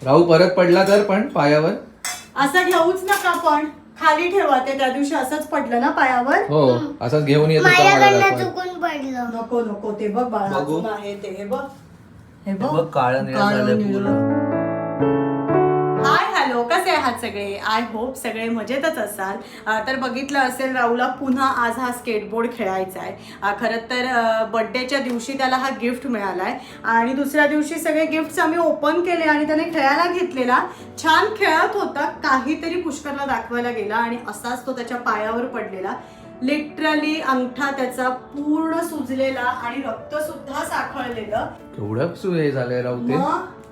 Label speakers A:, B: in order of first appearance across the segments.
A: राहू परत पडला तर पण पायावर
B: असं घेऊच नका, पण खाली ठेवा ते. त्या दिवशी असंच पडलं ना पायावर.
A: हो असंच घेऊन येतो
C: माझ्याकडनं चुकून पडलं.
B: नको नको, ते बघ बाळा,
A: बघू.
B: अजून आहे ते. हे बघ, हे
A: बघ, काळं निळं
B: काळं
A: झालंय
B: निळं.
A: पूर्ण.
B: हाय हॅलो, कसे आहात सगळे? आय होप सगळे मजेतच असाल. तर बघितलं असेल, राहुलला पुन्हा आज हा स्केटबोर्ड खेळायचा आहे. खरं तर बर्थडेच्या दिवशी त्याला हा गिफ्ट मिळालाय आणि दुसऱ्या दिवशी सगळे गिफ्ट्स आम्ही ओपन केले आणि त्याने खेळायला घेतलेला. छान खेळत होता, काहीतरी पुष्करला दाखवायला गेला आणि असाच तो त्याच्या पायावर पडलेला. लिटरली अंगठा त्याचा पूर्ण सुजलेला आणि रक्त सुद्धा साखळलेलं.
A: केवढं हे झालंय राहू ते.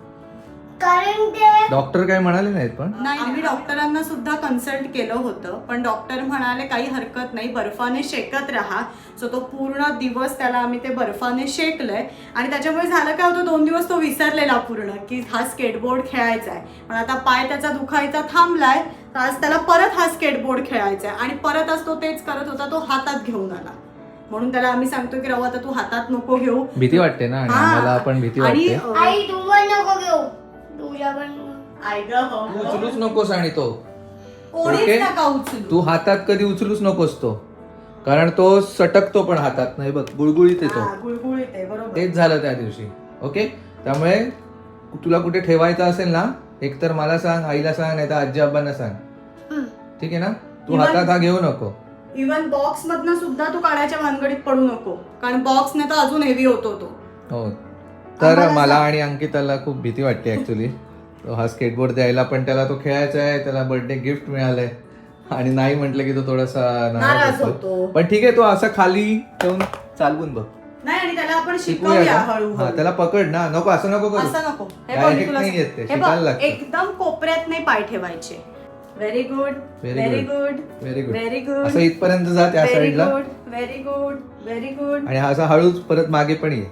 C: कारण ते
A: डॉक्टर काय म्हणाले नाहीत पण.
B: नाही, आम्ही डॉक्टरांना सुद्धा कन्सल्ट केलं होतं, पण डॉक्टर म्हणाले काही हरकत नाही, बर्फाने शेकत राहा. सो तो पूर्ण दिवस त्याला आम्ही ते बर्फाने शेकलंय आणि त्याच्यामुळे झालं काय होतं, 2 दिवस तो विसरलेला पूर्ण की हा स्केटबोर्ड खेळायचा आहे. पण आता पाय त्याचा दुखायचा थांबलाय, तर आज त्याला परत हा स्केटबोर्ड खेळायचा आहे आणि परत आज तो तेच करत होता, तो हातात घेऊन आला. म्हणून त्याला आम्ही सांगतो की राहू आता तू हातात नको घेऊ.
A: भीती वाटते ना आणि आम्हाला पण भीती वाटते.
C: आई तू पण नको घेऊ, तुझ्या पण
B: आई गं, हो.
A: तू उचलूच नकोस आणि तो
B: कोणीच
A: ओके?
B: नका उचलू.
A: तू हातात कधी उचलूच नकोस तो, कारण तो सटकतो पण हातात. नाही बघ गुळगुळीत येतो.
B: हा, गुळगुळीत आहे, बरोबर.
A: तेच झालं त्या दिवशी. ओके, त्यामुळे तुला कुठे ठेवायचं असेल ना, एकतर मला सांग, आईला सांग, नाही तर आजी आबांना सांग. ठीक आहे ना? तू हातात हा घेऊ नको.
B: इव्हन बॉक्स मधनं सुद्धा तू काढायच्या भानगडीत पडू नको, कारण बॉक्सने तर अजून हेवी होतो तो.
A: हो, तर मला आणि अंकिताला खूप भीती वाटते ऍक्च्युली. तो हा स्केटबोर्ड द्यायला, पण त्याला तो खेळायचा आहे, त्याला बर्थडे गिफ्ट मिळालंय आणि नाही म्हटलं की तो थोडासा
B: नाराज
A: नाराज
B: होतो.
A: होतो. पण ठीक आहे, तो असा खाली ठेवून चालवून बघ.
B: नाही, आणि त्याला आपण
A: शिकूया
B: शिकवूया
A: का?
B: हळूहळू.
A: हा, त्याला पकड ना. नको असं नको करू.
B: असं नको. हे बघ,
A: Direct
B: मी तुला
A: नाही येत ते,
B: हे
A: शिकायला
B: बघ,
A: लागतं.
B: एकदम कोपऱ्यात नाही पाय ठेवायचे. Very good, very good,
A: very good.
B: Very good.
A: असं इथपर्यंत जा त्या
B: व्हेरी
A: साईडला
B: good, very good, very good.
A: आणि असा हळूच परत मागे पण ये.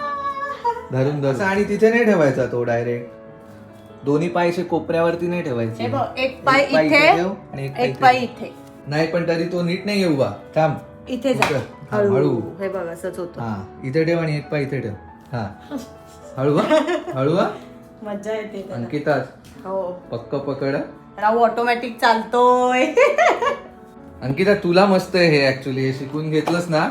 A: धरून धरून. आणि तिथे नाही ठेवायचा तो डायरेक्ट. दोन्ही पाय असे कोपऱ्यावरती नाही ठेवायचे.
B: हे बघ, एक पाय इथे,
A: ठेव आणि
B: एक पाय इथे.
A: नाही, पण तरी तो नीट नाही येऊ बा. थांब
B: इथे जा.
A: हा, हळू.
B: हळू. हे बघ, असंच होतं.
A: हा, इथे ठेव आणि एक पाय इथे ठेव. हा, हळू हा, हळू हा.
B: मज्जा येते त्याला.
A: अंकिता
B: हो,
A: पक्क पकड.
B: राहू ऑटोमॅटिक चालतोय.
A: अंकिता तुला मस्त आहे हे ऍक्च्युली. हे शिकून घेतलंस ना,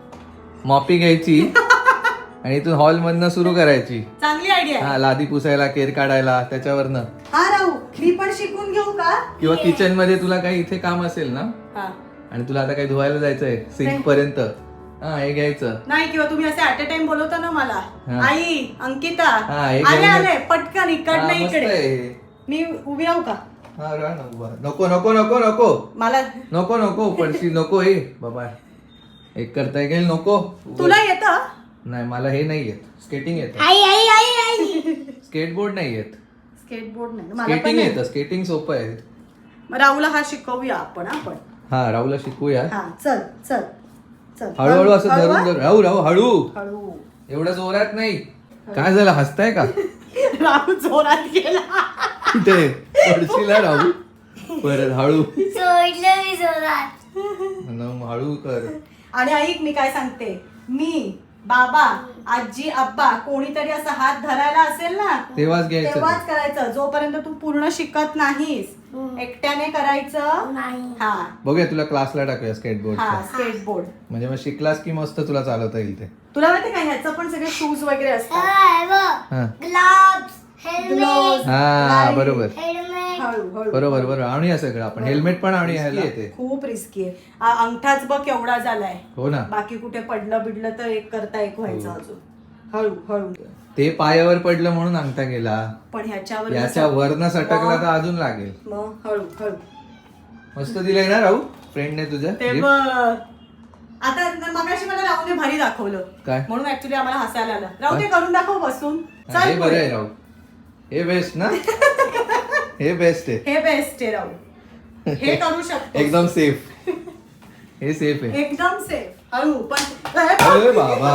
A: मॉपी घ्यायची आणि तू हॉल मधनं सुरू करायची.
B: चांगली आयडिया आहे.
A: हा, लादी पुसायला, केर काढायला त्याच्यावरनं.
B: हा राहू, मी पण शिकून घेऊ का?
A: किंवा किचन मध्ये तुला काही इथे काम असेल ना,
B: हा.
A: आणि तुला आता काही धुवायला जायचंय सिंक पर्यंत, हा हे घ्यायचं.
B: नाही, किंवा तुम्ही असे ऍट अ टाइम बोलवता ना मला,
A: हा.
B: आई, अंकिता,
A: हा, हे
B: आले
A: घेऊन
B: आले, पटकन
A: हा,
B: इकडनं
A: मस्त
B: इकडे.
A: आहे हे.
B: मी उभी राहू का?
A: हा, राहा ना उभा. नको नको नको नको
B: मला
A: नको नको पडशी नको. हे बाबा, एक करता येईल. नको.
B: तुला येतं?
A: नाही, मला हे नाही येत. स्केटिंग येत.
C: आई आई आई आई
A: स्केटबोर्ड नाही येत.
B: स्केटबोर्ड नाही मला पण
A: स्केटिंग
B: नाही.
A: येतं. स्केटिंग सोपं आहे.
B: मग राहूला हा शिकवूया आपण.
A: हा, राहूला शिकूया.
B: हा, चल चल चल.
A: हळूहळू असं
B: हळू,
A: धरून
B: हा?
A: धरून. राहू राहू हळू.
B: हळू.
A: एवढं जोरात नाही. काय झालं, हसताय का?
B: राहू जोरात गेला.
A: कुठे पडशीला राहू. परत हळू.
C: सोडलं मी जोरात.
A: हळू कर.
B: आणि ऐक, मी काय सांगते, मी, बाबा, आजी, आब्बा कोणीतरी असा हात धरायला असेल ना,
A: तेव्हाच घ्यायचं
B: तेव्हाच
A: ते.
B: करायचं. जोपर्यंत तू पूर्ण शिकत नाहीस, एकट्याने करायचं.
C: नाही.
B: हा
A: बघूया, तुला क्लासला टाकूया स्केटबोर्डचा.
B: हा, स्केटबोर्ड.
A: म्हणजे मग शिकलास की मस्त तुला चालवता येईल ते.
B: तुला माहिती का, ह्याचं पण सगळे शूज वगैरे असतात.
A: हा.
C: Gloves, helmet,
B: Gloves.
A: हा,
B: नाही.
A: बरोबर
C: हेल्मेट.
B: हळू हळू.
A: बरोबर बरोबर. आणूया सगळं आपण. हेल्मेट पण आणूया. येते.
B: खूप रिस्की आहे. अंगठाच बघ केवढा झालाय.
A: हो ना.
B: बाकी कुठे पडलं बिडलं तर एक करता एक व्हायचं अजून. हळू हळू.
A: ते पायावर पडलं म्हणून अंगठा गेला.
B: पण ह्याच्यावर
A: याच्या वरनं सटकला तर अजून लागेल.
B: मग हळू हळू.
A: मस्त दिलंय ना राहू फ्रेंडने तुझ्या
B: ते
A: gift?
B: बघ. आता मगाशी मला राहूने भारी दाखवलं,
A: काय?
B: म्हणून ऍक्च्युली आम्हाला हसायला आलं. राहू ते करून दाखव बसून.
A: हा, हे
B: चल
A: बरं आहे
B: पुढे.
A: राहू. हे बेस्ट ना. हे बेस्ट आहे.
B: हे बेस्ट आहे राहू. हे करू शकतो.
A: एकदम सेफ. हे सेफ आहे.
B: एकदम सेफ. हळू पण.
A: अरे बाबा,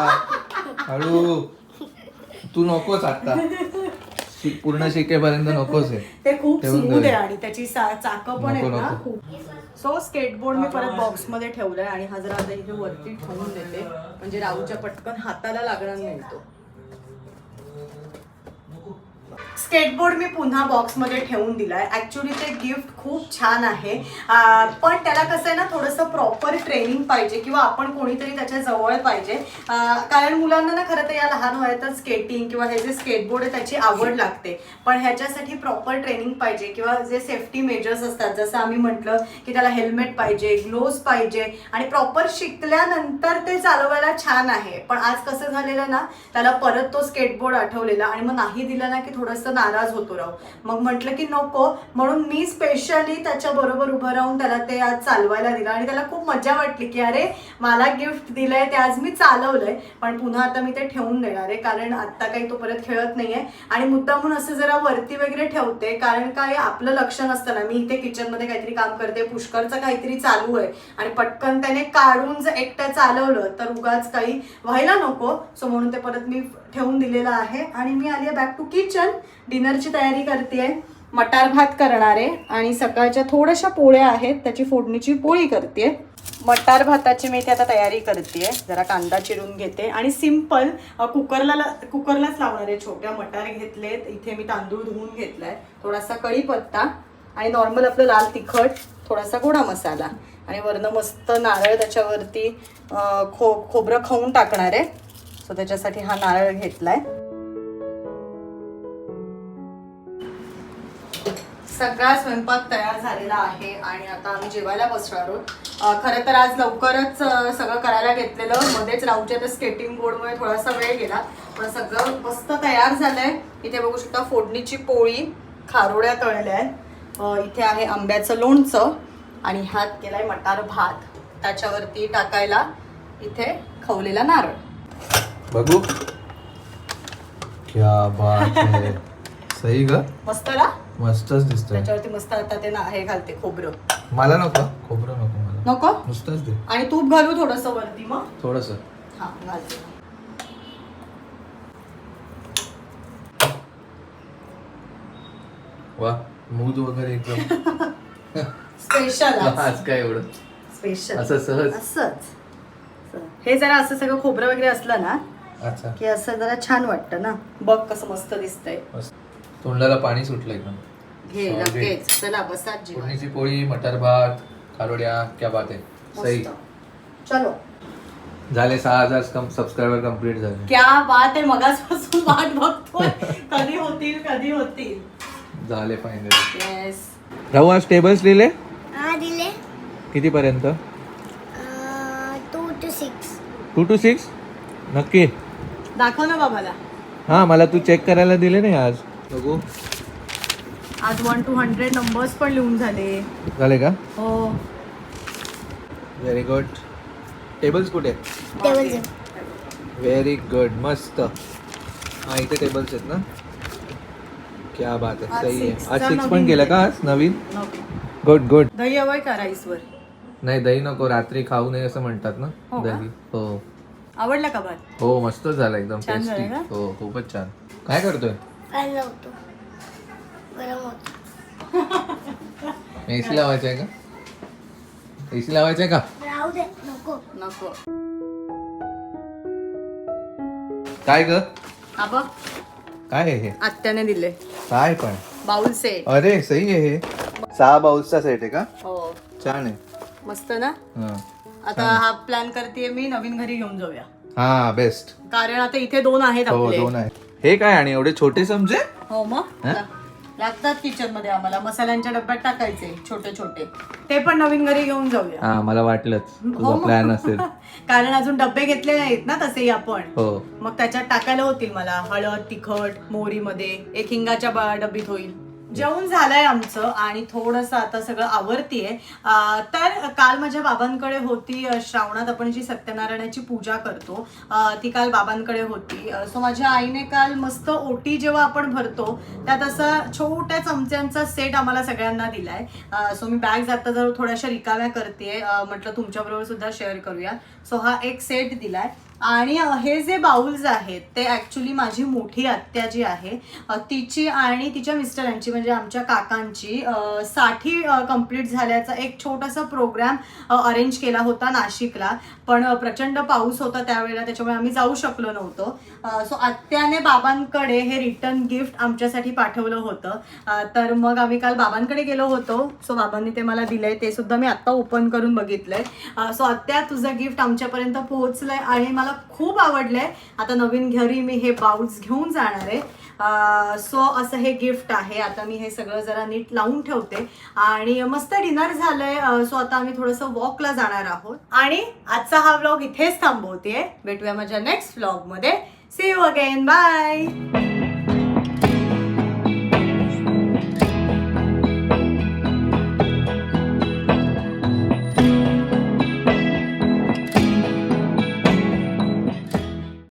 A: हळू. तू नकोच आता. पूर्ण शिकेपर्यंत नकोच आहे.
B: ते खूप
A: ठेवून
B: स्मूथ
A: दे.
B: आहे आणि त्याची चाकं पण
A: नको,
B: आहेत ना
A: नको.
B: खूप. सो स्केटबोर्ड मी परत बॉक्स मध्ये ठेवलाय आणि हा जरा आता इथे वरती ठेवून देते, म्हणजे राहूच्या पटकन हाताला लागणार नाही तो. स्केटबोर्ड मी पुन्हा बॉक्समध्ये ठेवून दिलाय. ऍक्च्युली ते गिफ्ट खूप छान आहे, पण त्याला कसं आहे ना, थोडंसं प्रॉपर ट्रेनिंग पाहिजे किंवा आपण कोणीतरी त्याच्या जवळ पाहिजे. कारण मुलांना ना खरं तर या लहान वयातच स्केटिंग किंवा हे जे स्केटबोर्ड आहे त्याची आवड लागते, पण ह्याच्यासाठी प्रॉपर ट्रेनिंग पाहिजे किंवा जे सेफ्टी मेजर्स असतात, जसं आम्ही म्हटलं की त्याला हेल्मेट पाहिजे, ग्लोव्स पाहिजे आणि प्रॉपर शिकल्यानंतर ते चालवायला छान आहे. पण आज कसं झालेलं ना, त्याला परत तो स्केटबोर्ड आठवलेला आणि मग नाही दिला ना की थोडंसं नाराज होतो राव. मग म्हटलं की नको, म्हणून मी स्पेशली त्याच्या बरोबर उभं राहून त्याला ते आज चालवायला दिलं आणि त्याला खूप मजा वाटली की अरे मला गिफ्ट दिलंय ते आज मी चालवलंय. पण पुन्हा आता मी ते ठेवून देणार आहे, कारण आता काही तो परत खेळत नाहीये आणि मुद्दामून असं जरा वरती वगैरे ठेवते, कारण काय आपलं लक्ष नसतं ना, मी इथे किचनमध्ये काहीतरी काम करते, पुष्करचं काहीतरी चालू आहे आणि पटकन त्याने काढून जर एकटं चालवलं तर उगाच काही व्हायला नको. सो म्हणून ते परत मी ठेवून दिलेलं आहे आणि मी आली आहे बॅक टू किचन. डिनरची तयारी करते, मटार भात करणार आहे आणि सकाळच्या थोड्याशा पोळ्या आहेत, त्याची फोडणीची पोळी करते. मटार भाताची मी इथे आता तयारी करते. जरा कांदा चिरून घेते आणि सिंपल कुकरलाच लावणार आहे. छोट्या मटार घेतलेत, इथे मी तांदूळ धुवून घेतलाय, थोडासा कढीपत्ता आणि नॉर्मल आपलं लाल तिखट, थोडासा गोडा मसाला आणि वरनं मस्त नारळ त्याच्यावरती खोबरं खाऊन टाकणार आहे. सो त्याच्यासाठी हा नारळ घेतलाय. सगळा स्वयंपाक तयार झालेला आहे आणि आता आम्ही जेवायला बसणार आहोत. खरं तर आज लवकरच सगळं करायला घेतलेलं, मध्येच राहूच्या त्या स्केटिंग बोर्डमुळे थोडासा वेळ गेला, पण सगळं मस्त तयार झालंय. इथे बघू शकता फोडणीची पोळी, खारोड्या तळल्या आहेत, इथे आहे आंब्याचं लोणचं आणि ह्यात केलाय मटार भात, त्याच्यावरती टाकायला इथे खवलेला नारळ.
A: बघू क्या बात है. सही ग,
B: मस्त ना,
A: मस्तच दिसतोय.
B: त्याच्यावरती मस्त आता ते हे घालते खोबरं.
A: मला नको खोबरं, नको मला,
B: नको
A: नुसतंच दे.
B: आणि तूप घालू थोडस वरती, मग
A: थोडस.
B: हा घालते.
A: वा, मूद वगैरे एकदम
B: स्पेशल
A: आज काय एवढं
B: स्पेशल
A: असं सहज.
B: असंच हे जरा असं सगळं खोबरं वगैरे असलं ना
A: अच्छा
B: की असं जरा छान वाटतं ना. बघ कसं मस्त दिसतंय.
A: मस्त. तोंडाला पाणी सुटलं एकदम.
B: घे
A: Solid.
B: लगेच, चला बसा जेवण.
A: फोडणीची पोळी, मटार भात, खारोड्या, क्या बात आहे. सही.
B: मस्त. चलो,
A: झाले 6000 सबस्क्रायबर कंप्लीट झाले.
B: क्या बात आहे. मगाचपासून वाट बघतोय कधी होतील.
A: झाले फायनली.
B: येस.
A: राहू आज टेबल्स लिहिले
C: हा दिले
A: किती पर्यंत?
C: 2 to 6.
A: 2 to 6 नक्की.
B: दाखव ना बाबाला.
A: हा, मला तू चेक करायला दिले नाही आज. बघू.
B: आज 1 to 100 नंबर्स पण लिहून झाले
A: का?
B: हो.
A: Very good. टेबल्स कुठे?
C: टेबल
A: व्हेरी गुड, मस्त. हा, इथे टेबल्स आहेत ना. क्या बात आहे,
B: आज
A: सही आहे.
B: six
A: आज
B: चा
A: 6 पण
B: नवीन
A: केलं का
B: आहे.
A: आज नवीन?
B: नको.
A: Good good.
B: दही हवंय का राईसवर?
A: नाही, दही नको, रात्री खाऊ नये असं म्हणतात ना.
B: हो का?
A: दही. हो
B: आवडला का भात?
A: हो, मस्त झालं एकदम
B: छान
A: टेस्टी.
B: झालं ना?
A: हो, खूपच छान. काय करतोय?
C: फॅन लावतो, गरम होतो.
A: एसी लावायचं आहे का? एसी लावायचं आहे का?
C: राहू दे, नको.
B: नको.
A: काय ग?
B: हा बघ,
A: काय आहे हे?
B: आत्याने दिले
A: काय पण?
B: Bowl set.
A: अरे सही आहे हे. 6 बाउल्सचा सेट आहे का?
B: हो,
A: छान आहे.
B: मस्त ना.
A: हा.
B: आता हा प्लॅन करते मी, नवीन घरी घेऊन जाऊया,
A: हा, बेस्ट.
B: कारण आता इथे 2 आहेत
A: हो,
B: आपले.
A: 2 आहे. हे काय आणि एवढे छोटे चमचे?
B: हो मग
A: हा?
B: लागतात किचन मध्ये आम्हाला. मसाल्यांच्या डब्यात टाकायचे छोटे छोटे, ते पण नवीन घरी घेऊन जाऊया.
A: हा, मला वाटलंच
B: हो
A: तुझा
B: मग.
A: प्लॅन असेल.
B: कारण अजून डब्बे घेतले नाहीत ना तसेही आपण.
A: हो.
B: मग त्याच्यात टाकायला होतील मला. हळद, तिखट, मोहरीमध्ये एक हिंगाच्या डब्बीत होईल. जेवण झालंय आमचं आणि थोडंसं आता सगळं आवरतीये. तर काल माझ्या बाबांकडे होती. श्रावणात आपण जी सत्यनारायणाची पूजा करतो ती काल बाबांकडे होती. सो माझ्या आईने काल मस्त ओटी जेव्हा आपण भरतो त्यात असा छोट्या चमच्यांचा सेट आम्हाला सगळ्यांना दिलाय. सो मी बॅग जाता जर थोड्याशा रिकाम्या करते, म्हटलं तुमच्याबरोबर सुद्धा शेअर करूया. सो हा एक सेट दिलाय आणि हे जे बाउल्स आहेत ते ॲक्च्युली माझी मोठी आत्या जी आहे तिची आणि तिच्या मिस्टरांची म्हणजे आमच्या काकांची 60 कंप्लीट झाल्याचा एक छोटासा प्रोग्राम अरेंज केला होता नाशिकला. पण प्रचंड पाऊस होता त्यावेळेला, त्याच्यामुळे आम्ही जाऊ शकलो नव्हतो. सो आत्याने बाबांकडे हे रिटर्न गिफ्ट आमच्यासाठी पाठवलं होतं. तर मग आम्ही काल बाबांकडे गेलो होतो. सो बाबांनी ते मला दिलंय, ते सुद्धा मी आत्ता ओपन करून बघितलंय. सो आत्या तुझं गिफ्ट आमच्यापर्यंत पोहोचलंय आणि मला खूप आवडलंय. आता नवीन घरी मी हे बाउल्स घेऊन जाणार आहे. सो असं हे गिफ्ट आहे. आता मी हे सगळं जरा नीट लावून ठेवते आणि मस्त डिनर झालंय. सो आता आम्ही थोडंसं वॉकला जाणार आहोत आणि आजचा हा व्लॉग इथेच थांबवतेय. भेटूया माझ्या नेक्स्ट व्लॉग मध्ये. See you again. बाय.